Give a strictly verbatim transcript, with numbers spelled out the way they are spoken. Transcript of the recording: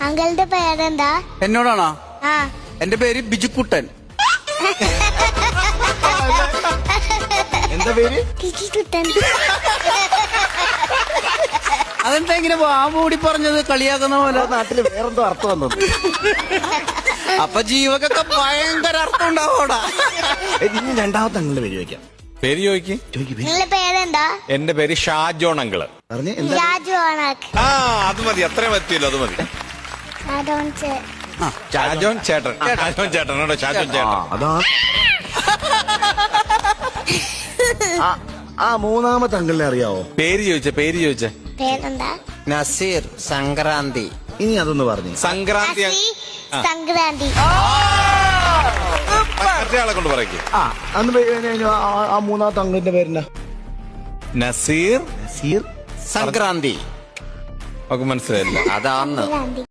അങ്കിളുടെ പേരെന്താ? എന്നോടാണോ? ആ. എന്റെ പേര് ബിജുക്കുട്ടൻ. എന്താ പേര്? ബിജുക്കുട്ടൻ. അതെന്താ ഇങ്ങനെ വാമൂടി പറഞ്ഞത് കളിയാക്കുന്ന പോലെ? നാട്ടില് വേറെന്തോ അർത്ഥം വന്നു. അപ്പൊ ജീവകൊക്കെ ഭയങ്കര അർത്ഥം ഉണ്ടാവോടാ. ഇനി രണ്ടാമത്തെ അങ്കിളിന്റെ പേര് ചോദിക്കാം. പേര് ചോദിക്ക്. നിങ്ങളുടെ പേരെന്താ? എന്റെ പേര് ഷാജോൺ അങ്കിള്. പറഞ്ഞേ എന്താ? രാജു ആണാക്ക്. ആ അത് മതി, അത്രയും എത്തിയല്ലോ, അത് മതി. ഷാജോൺ ചേട്ടൻ. ഷാജോൻ ചേട്ടനോടോ? ഷാജോൻ ചേട്ടൻ. അതാ ആ മൂന്നാമത്തെ അങ്കിളിനെ അറിയാവോ? പേര് ചോദിച്ച പേര് ചോദിച്ച പേരെന്താ? നസീർ സംക്രാന്തി. ഇനി അതൊന്ന് പറഞ്ഞു. സംക്രാന്തി. നസി സംക്രാന്തി. മറ്റേയാളെ കൊണ്ട് പറയ്ക്ക്. ആ അന്ന് പേ- ആ- ആ മൂന്നാമത്തെ അങ്കിളിന്റെ പേരെന്നാ? നസീർ നസീർ സംക്രാന്തി. ഒക്കെ മനസ്സിലായില്ല. അതാന്ന് സംക്രാന്തി.